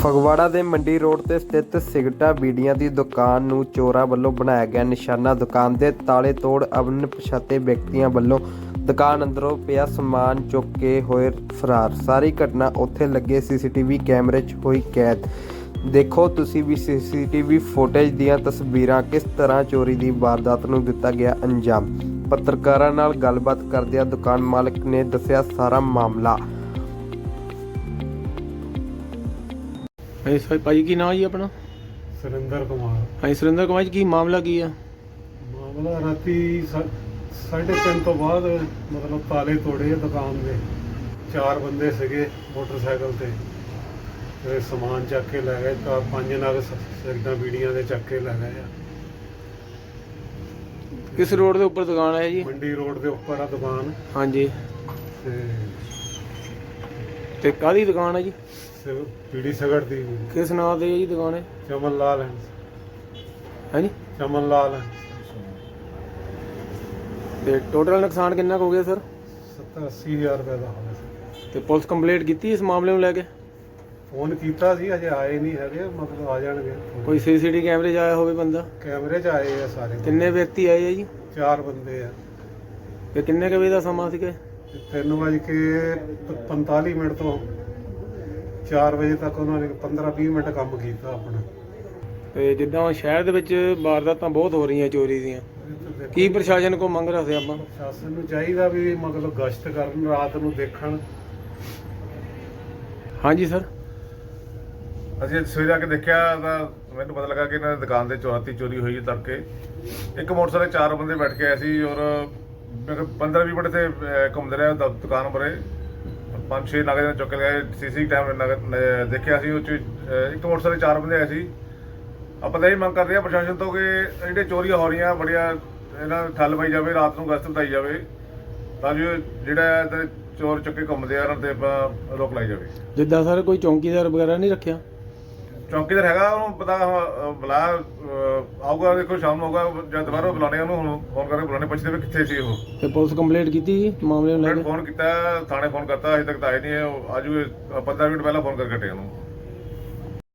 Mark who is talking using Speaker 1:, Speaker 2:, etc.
Speaker 1: ਫਗਵਾੜਾ ਦੇ ਮੰਡੀ ਰੋਡ ਤੇ ਸਥਿਤ ਸਿਗਰਟਾਂ ਬੀੜੀਆਂ ਦੀ ਦੁਕਾਨ ਨੂੰ ਚੋਰਾਂ ਵੱਲੋਂ ਬਣਾਇਆ ਗਿਆ ਨਿਸ਼ਾਨਾ। ਦੁਕਾਨ ਦੇ ਤਾਲੇ ਤੋੜ ਅਣਪਛਾਤੇ ਵਿਅਕਤੀਆਂ ਵੱਲੋਂ ਦੁਕਾਨ ਅੰਦਰੋਂ ਪਿਆ ਸਮਾਨ ਚੁੱਕ ਕੇ ਹੋਏ ਫਰਾਰ। ਸਾਰੀ ਘਟਨਾ ਉੱਥੇ ਲੱਗੇ ਸੀਸੀਟੀਵੀ ਕੈਮਰੇ 'ਚ ਹੋਈ ਕੈਦ। ਦੇਖੋ ਤੁਸੀਂ ਵੀ ਸੀਸੀਟੀਵੀ ਫੁਟੇਜ ਦੀਆਂ ਤਸਵੀਰਾਂ। ਕਿਸ ਤਰ੍ਹਾਂ ਚੋਰੀ ਦੀ ਵਾਰਦਾਤ ਨੂੰ ਦਿੱਤਾ ਗਿਆ ਅੰਜਾਮ। ਪੱਤਰਕਾਰਾਂ ਨਾਲ ਗੱਲਬਾਤ ਕਰਦਿਆਂ ਦੁਕਾਨ ਮਾਲਕ ਨੇ ਦੱਸਿਆ ਸਾਰਾ ਮਾਮਲਾ।
Speaker 2: ਹਾਂਜੀ ਭਾਈ, ਕੀ ਨਾਮ ਜੀ ਆਪਣਾ?
Speaker 3: ਸੁਰਿੰਦਰ ਕੁਮਾਰ।
Speaker 2: ਹਾਂਜੀ ਸੁਰਿੰਦਰ ਕੁਮਾਰ ਜੀ, ਕੀ ਮਾਮਲਾ ਕੀ ਆ?
Speaker 3: ਮਾਮਲਾ ਰਾਤੀ 3:30 ਤੋਂ ਬਾਅਦ ਮਤਲਬ ਤਾਲੇ ਤੋੜੇ ਆ ਦੁਕਾਨ ਦੇ। 4 ਬੰਦੇ ਸੀਗੇ ਮੋਟਰਸਾਈਕਲ ਤੇ ਸਮਾਨ ਚੱਕ ਕੇ ਲੈ ਗਏ। ਤਾਂ 5 ਨਗ ਸਿਗਰਟਾਂ ਬੀੜੀਆਂ ਦੇ ਚੱਕ ਕੇ ਲੈ ਗਏ ਆ।
Speaker 2: ਕਿਸ ਰੋਡ ਦੇ ਉੱਪਰ ਦੁਕਾਨ ਹੈ ਜੀ?
Speaker 3: ਮੰਡੀ ਰੋਡ ਦੇ ਉੱਪਰ ਆ ਦੁਕਾਨ।
Speaker 2: ਹਾਂਜੀ,
Speaker 3: ਤੇ
Speaker 2: ਕਾਹਦੀ ਦੁਕਾਨ ਹੈ ਜੀ?
Speaker 3: ਬੀੜੀ ਸਿਗਰਟ ਦੀ।
Speaker 2: ਕਿਸ ਨਾਂ ਤੇ ਹੈ ਜੀ ਦੁਕਾਨ? ਹੈ
Speaker 3: ਚਮਨ ਲਾਲ ਹੈ।
Speaker 2: ਹਾਂਜੀ,
Speaker 3: ਚਮਨ ਲਾਲ ਹੈ।
Speaker 2: ਤੇ ਟੋਟਲ ਨੁਕਸਾਨ ਕਿੰਨਾ ਕੁ ਹੋ ਗਿਆ ਸਰ?
Speaker 3: 70-80 ਹਜ਼ਾਰ ਰੁਪਏ ਦਾ ਹੋਇਆ ਸੀ।
Speaker 2: ਤੇ ਪੁਲਿਸ ਕੰਪਲੇਂਟ ਕੀਤੀ ਇਸ ਮਾਮਲੇ ਨੂੰ ਲੈ ਕੇ?
Speaker 3: ਫੋਨ ਕੀਤਾ ਸੀ, ਅਜੇ ਆਏ ਨਹੀਂ ਹੈਗੇ, ਮਤਲਬ ਆ ਜਾਣਗੇ।
Speaker 2: ਕੋਈ ਸੀਸੀਟੀਵੀ ਕੈਮਰੇ 'ਚ ਆਇਆ ਹੋਵੇ ਬੰਦਾ?
Speaker 3: ਕੈਮਰੇ 'ਚ ਆਏ ਆ ਸਾਰੇ।
Speaker 2: ਕਿੰਨੇ ਵਿਅਕਤੀ ਆਏ ਆ ਜੀ?
Speaker 3: 4 ਬੰਦੇ ਆ।
Speaker 2: ਤੇ ਕਿੰਨੇ ਕੁ ਵਜੇ ਦਾ ਸਮਾਂ ਸੀਗਾ?
Speaker 3: 3:45 ਤੋਂ 4 ਵਜੇ ਤੱਕ ਉਹਨਾਂ ਨੇ 15-20 ਮਿੰਟ ਕੰਮ ਕੀਤਾ ਆਪਣਾ।
Speaker 2: ਤੇ ਜਿੱਦਾਂ ਸ਼ਹਿਰ ਦੇ ਵਿੱਚ ਵਾਰਦਾਤਾਂ ਬਹੁਤ ਹੋ ਰਹੀਆਂ ਚੋਰੀ ਦੀਆਂ, ਕੀ ਪ੍ਰਸ਼ਾਸਨ ਕੋ ਮੰਗ ਰੱਖਦੇ ਆਪਾਂ?
Speaker 3: ਪ੍ਰਸ਼ਾਸਨ ਨੂੰ ਚਾਹੀਦਾ ਵੀ ਮਤਲਬ ਗਸ਼ਤ ਕਰਨ, ਰਾਤ ਨੂੰ ਦੇਖਣ।
Speaker 2: ਹਾਂਜੀ ਸਰ,
Speaker 4: ਅਸੀਂ ਸਵੇਰੇ ਆ ਕੇ ਦੇਖਿਆ ਤਾਂ ਮੈਨੂੰ ਪਤਾ ਲੱਗਾ ਕਿ ਇਹਨਾਂ ਦੀ ਦੁਕਾਨ ਦੇ ਚੋਰੀ ਹੋਈ ਹੈ। ਤੜਕੇ ਇੱਕ ਮੋਟਰਸਾਈਕਲ 4 ਬੰਦੇ ਬੈਠ ਕੇ ਆਏ ਸੀ ਔਰ 15-20 ਮਿੰਟ ਤੇ ਘੁੰਮਦੇ ਰਹੇ ਦੁਕਾਨ ਪਰੇ। 5-6 ਨਗਰ ਚੁੱਕ ਕੇ ਗਏ। ਸੀਸੀ ਕੈਮਰੇ ਦੇਖਿਆ ਸੀ, ਉਹ 'ਚ ਇੱਕ ਮੋਟਰਸਾਈਕਲ 4 ਬੰਦੇ ਆਏ ਸੀ। ਆਪਾਂ ਤਾਂ ਇਹ ਮੰਗ ਕਰਦੇ ਹਾਂ ਪ੍ਰਸ਼ਾਸਨ ਤੋਂ ਕਿ ਜਿਹੜੇ ਚੋਰੀਆਂ ਹੋ ਰਹੀਆਂ ਬੜੀਆਂ, ਇਹਨਾਂ ਨੂੰ ਠੱਲ ਪਾਈ ਜਾਵੇ, ਰਾਤ ਨੂੰ ਗਸ਼ਤ ਵਧਾਈ ਜਾਵੇ ਤਾਂ ਜੋ ਜਿਹੜਾ ਚੋਰ ਚੁੱਕੇ ਘੁੰਮਦੇ ਆ ਉਹਨਾਂ ਤੇ ਆਪਾਂ ਰੋਕ ਲਾਈ ਜਾਵੇ।
Speaker 2: ਜਿੱਦਾਂ ਸਰ ਕੋਈ ਚੌਂਕੀਦਾਰ ਵਗੈਰਾ ਨਹੀਂ ਰੱਖਿਆ?
Speaker 4: ਚੌਂਕੀਦਾਰ ਹੈਗਾ, ਉਹਨੂੰ ਪਤਾ ਬੁਲਾ ਆਊਗਾ, ਦੇਖੋ ਸ਼ਾਮ ਨੂੰ ਆਊਗਾ ਜਾਂ ਦੁਬਾਰਾ ਬੁਲਾਣੇ ਉਹਨੂੰ। ਹੁਣ ਫੋਨ ਕਰਕੇ ਬੁਲਾਣੇ, ਪੁੱਛਦੇ ਵੀ ਕਿੱਥੇ ਸੀ ਉਹ।
Speaker 2: ਤੇ ਪੁਲਿਸ ਕੰਪਲੇਂਟ ਕੀਤੀ ਜੀ ਮਾਮਲੇ ਨੂੰ ਲੈ ਕੇ?
Speaker 4: ਫੋਨ ਕੀਤਾ, ਥਾਣੇ ਫੋਨ ਕਰਤਾ, ਅਜੇ ਤੱਕ ਤਾਂ ਆਏ ਨਹੀਂ। ਆਜੂ 15 ਮਿੰਟ ਪਹਿਲਾਂ ਫੋਨ ਕਰਕੇ ਹਟੇ ਉਹਨੂੰ।